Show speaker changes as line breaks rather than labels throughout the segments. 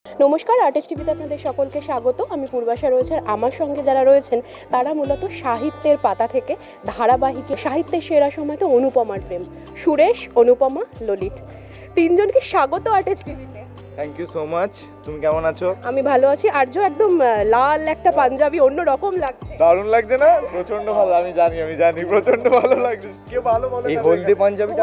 নমস্কার, আর্টিস্ট টিভিতে আপনাদের সকলকে স্বাগত। আমি পূর্বাশা রয়েছে, আর আমার সঙ্গে যারা রয়েছেন তারা মূলত সাহিত্যের পাতা থেকে ধারাবাহিকে সাহিত্যের সেরা সময় তো অনুপমার প্রেম, সুরেশ, অনুপমা, ললিত, তিনজনকে স্বাগত আর্টিস্ট টিভিতে।
Thank you so much. তুমি কেমন আছো?
আমি ভালো আছি। আর্য একদম লাল একটা পাঞ্জাবি, অন্য রকম লাগছে।
দারুণ লাগছে না? প্রচন্ড ভালো। আমি জানি প্রচন্ড ভালো লাগছে। কে ভালো বলে?
এই হলদে পাঞ্জাবিটা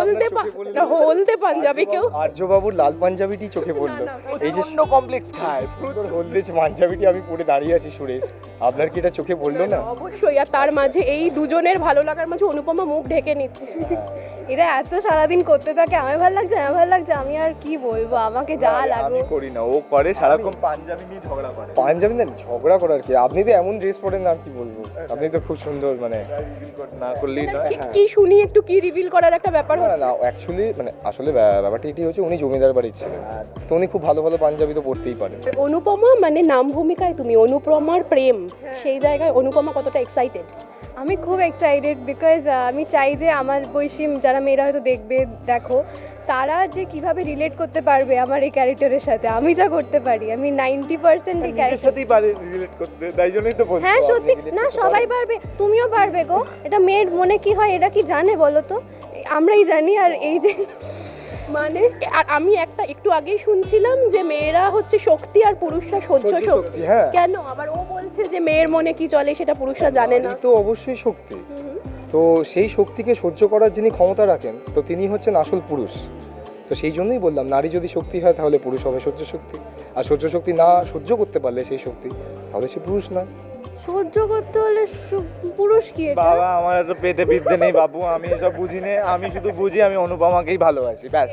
হলদে পাঞ্জাবি কেউ
আর্যবাবুর লাল পাঞ্জাবিটি চোখে পড়লো। এই যে
প্রচন্ড কমপ্লেক্স খায়।
হলদে পাঞ্জাবিটি আমি পরে দাঁড়িয়ে আছি সুরেশ, আপনার কি এটা চোখে পড়লো না?
অবশ্যই। আর তার মাঝে এই দুজনের ভালো লাগার মাঝে অনুপমা মুখ ঢেকে নিচ্ছে।
এরা এত সারাদিন করতে থাকে, আমার ভালো লাগছে, আমি আর কি বলবো, আমাকে যা
আমি
লাগো।
করি না, ও করে সারাক্ষণ পাঞ্জাবি নিয়ে ঝগড়া করে।
পাঞ্জাবি না ঝগড়া করার কি, আপনি তো এমন ড্রেস পরেন আর কি বলবো, আপনি তো খুব সুন্দর মানে
না করলেই নয়।
কি শুনি একটু, কি রিভিল করার একটা ব্যাপার
না
হচ্ছে।
না অ্যাকচুয়ালি মানে আসলে ব্যাপারটা এটি হচ্ছে উনি জমিদার বাড়ির ছিলেন, তো উনি খুব ভালো ভালো পাঞ্জাবি তো পরতেই পারেন।
অনুপমা মানে নাম ভূমিকায় তুমি, অনুপমার প্রেম, সেই জায়গায় অনুপমা কতটা এক্সাইটেড?
আমি খুব এক্সাইটেড বিকজ আমি চাই যে আমার বয়সী যারা মেয়েরা হয়তো দেখো, তারা যে কিভাবে রিলেট করতে পারবে আমার এই ক্যারেক্টারের সাথে, আমি যা করতে পারি। আমি 90% এই
নিজের
ক্যারেক্টার।
সাথেই পারে রিলেট করতে, তাই জন্যই তো বলছি।
হ্যাঁ সত্যি না, সবাই পারবে, তুমিও পারবে গো। এটা মেয়ের মনে কি হয় এটা কি জানে বলো তো? আমরাই জানি। আর এই যে
মানে আর আমি একটু আগেই শুনছিলাম যে মেয়েরা হচ্ছে শক্তি আর পুরুষরা সহ্য শক্তি।
হ্যাঁ
কেন আবার ও বলছে যে মেয়ের মনে কি চলে সেটা পুরুষরা জানে না?
এই তো অবশ্যই শক্তি, তো সেই শক্তিকে সহ্য করার যিনি ক্ষমতা রাখেন তো তিনি হচ্ছেন আসল পুরুষ। তো সেই জন্যই বললাম নারী যদি শক্তি হয় তাহলে পুরুষ হবে সহ্য শক্তি, আর সহ্য শক্তি না সহ্য করতে পারলে সেই শক্তি, তাহলে সে পুরুষ না।
সহ্য করতে হলে পুরুষ কি এটা?
বাবা, আমার তো পেটে বিদ্যে নেই বাবু, আমি এসব বুঝি না। আমি শুধু বুঝি আমি অনুপমাকেই ভালোবাসি, ব্যাস।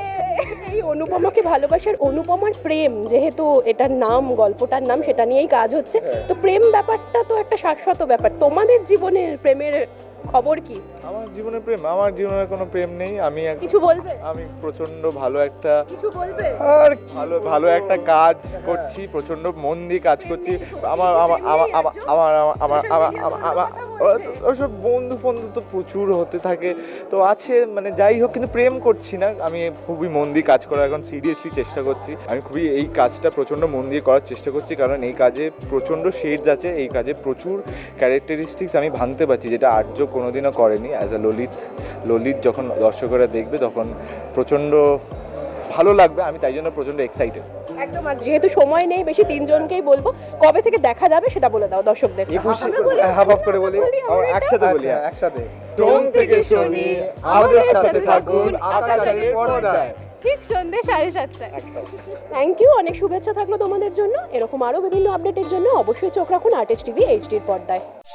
এই অনুপমাকে ভালোবাসার, অনুপমার প্রেম যেহেতু এটার নাম, গল্পটার নাম, সেটা নিয়েই কাজ হচ্ছে। তো প্রেম ব্যাপারটা তো একটা শাশ্বত ব্যাপার। তোমাদের জীবনের প্রেমের খবর কি?
আমার জীবনে প্রেম, আমার জীবনে কোনো প্রেম নেই।
কিছু বলবে?
আমি প্রচন্ড ভালো একটা
কিছু বলবে?
আর
ভালো একটা কাজ করছি, প্রচন্ড মন দিয়ে কাজ করছি। আমার আমার আমার আমার আমার আমার আমার আমার ওসব বন্ধু তো প্রচুর হতে থাকে, তো আছে মানে যাই হোক, কিন্তু প্রেম করছি না। আমি খুবই মন দিয়ে কাজ করার এখন সিরিয়াসলি চেষ্টা করছি। আমি খুবই এই কাজটা প্রচণ্ড মন দিয়ে করার চেষ্টা করছি, কারণ এই কাজে প্রচণ্ড শেডস আছে, এই কাজে প্রচুর ক্যারেক্টারিস্টিক্স আমি ভাঙতে পারছি, যেটা আর্য কোনোদিনও করেনি। অ্যাজ আ ললিত যখন দর্শকরা দেখবে তখন প্রচণ্ড ভালো লাগবে। আমি তাই জন্য প্রচণ্ড এক্সাইটেড।
একদম। আর যেহেতু সময় নেই বেশি, তিনজনকেই বলবো কবে থেকে দেখা যাবে সেটা বলে দাও দর্শকদের।
21 হাফ হাফ করে বলি,
একসাথে বলি,
আচ্ছা, একসাথে।
সোম থেকে শনি আমাদের সাথে থাকুন আকাশের পর্দায়,
ঠিক সন্ধ্যে 7:30টায়।
থ্যাংক ইউ, অনেক শুভেচ্ছা থাকলো তোমাদের জন্য। এরকম আরও বিভিন্ন আপডেটের জন্য অবশ্যই চোখ রাখুন আর্টিস্ট টিভি এইচডির পর্দায়।